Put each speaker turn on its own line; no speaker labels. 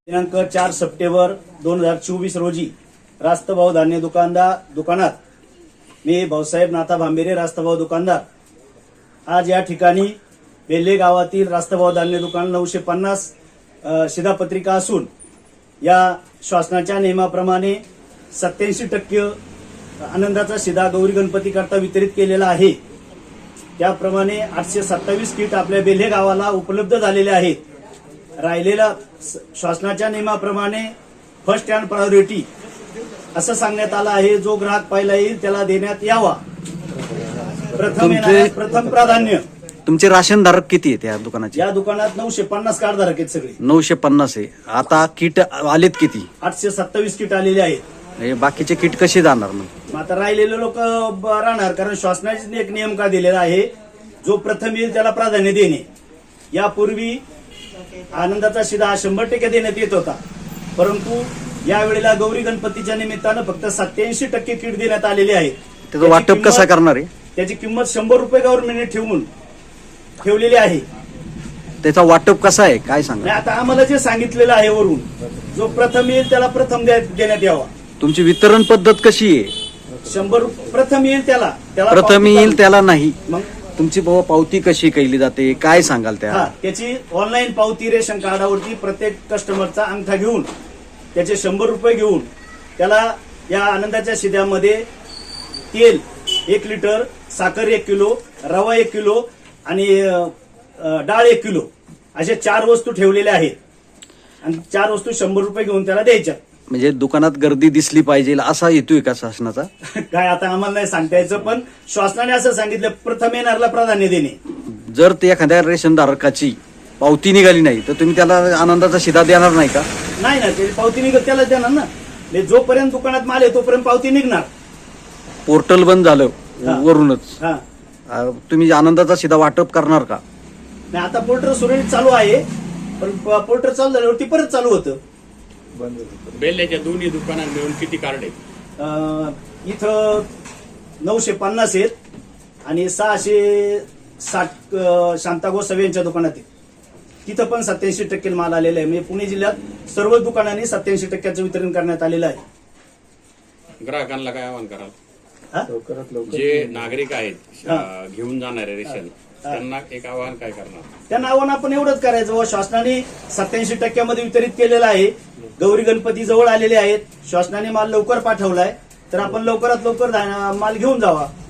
दिनांक 4 सप्टेंबर 2024 रोजी रास्तभाऊ धान्य दुकानात मी भाऊसाहेब नाथा भांबेरे रास्तभाऊ दुकानदार आज या ठिकाणी बेल्ले गावातील रास्तभाऊ धान्य दुकान 950 शिधापत्रिका असून या शासनाच्या नियमाप्रमाणे 87% आनंदाचा शिधा गौरी गणपती करता वितरित केलेला आहे। त्याप्रमाणे 827 किट आपल्या बेल्ले गावाला उपलब्ध झालेले आहेत। राहिलेला शासनाच्या नियमाप्रमाणे फर्स्ट अँड प्रायोरिटी असं सांगण्यात आलं आहे। जो ग्राहक पहिला येईल त्याला देण्यात यावा। प्रथम प्राधान्य।
तुमचे राशन धारक किती आहेत या दुकानाचे?
या दुकानात 950 कार्ड धारक आहेत सगळे।
950 आहे। आता किट आलेत किती?
827 किट आलेले आहेत।
बाकीचे किट कसे जाणार मग?
आता राहिलेले लोक राहणार, कारण शासनाने एक नियम का दिलेला आहे, जो प्रथम येईल त्याला प्राधान्य देणे। यापूर्वी आनंदाचा शिधा 100% देण्यात येत होता, परंतु यावेळेला गौरी गणपतीच्या निमित्तानं फक्त 87% किट देण्यात आलेले आहेत।
त्याचं वाटप कसं करणार आहे?
त्याची किंमत 100 रुपये गव्हर्नमेंटने ठेवलेली आहे।
त्याचा वाटप कसा आहे काय सांगा?
आता आम्हाला जे सांगितलेलं आहे वरून, जो प्रथम येईल त्याला प्रथम देण्यात यावा।
तुमची वितरण पद्धत कशी आहे?
100 प्रथम येईल त्याला
प्रथम येईल त्याला नाही।
मग
तुमची पावती कशी केली जाते काय सांगाल?
त्याची ऑनलाईन पावती रेशन कार्डावरती प्रत्येक कस्टमरचा अंगठा घेऊन त्याचे 100 रुपये घेऊन त्याला या आनंदाच्या शिध्यामध्ये तेल 1 लिटर, साखर 1 किलो, रवा 1 किलो आणि डाळ 1 किलो अशा 4 वस्तू ठेवलेल्या आहेत आणि 4 वस्तू 100 रुपये घेऊन त्याला द्यायच्या।
म्हणजे दुकानात गर्दी दिसली पाहिजे असा हेतू का शासनाचा?
काय आता आम्हाला नाही सांगता यायचं, पण शासनाने असं सांगितलं प्रथम येणारला प्राधान्य देणे।
जर ते एखाद्या रेशन धारकाची पावती निघाली नाही तर तुम्ही त्याला आनंदाचा शिधा देणार नाही का?
नाही ना, त्याची पावती निघत त्यालाच देणार ना। जोपर्यंत दुकानात माल आहे तोपर्यंत पावती निघणार।
पोर्टल बंद झालं वरूनच,
हा,
तुम्ही आनंदाचा शिधा वाटप करणार का?
नाही, आता पोर्टल सुरळीत चालू आहे, पण पोर्टल चालू झाल्यावरती परत चालू होतं।
बेल्ल्याच्या दोन्ही दुकानात मिळून किती कार्ड आहेत?
इथं 950 आहेत आणि 660 शांता गोसावी यांच्या दुकानात आहे। तिथं पण 87% माल आलेला आहे। म्हणजे पुणे जिल्ह्यात सर्व दुकानांनी 87%चं वितरण करण्यात आलेलं आहे।
ग्राहकांना काय आवाहन कराल? जे नागरिक आहेत घेऊन जाणारे रेशन, त्यांना एक आवाहन काय करणार?
त्यांना आव्हान आपण एवढंच करायचं, व शासनाने 87% वितरित केलेलं आहे। गौरी गणपती जवळ आलेले आहेत, शासनाने माल लवकर पाठवलाय, तर आपण लवकरात लवकर माल घेऊन जावा।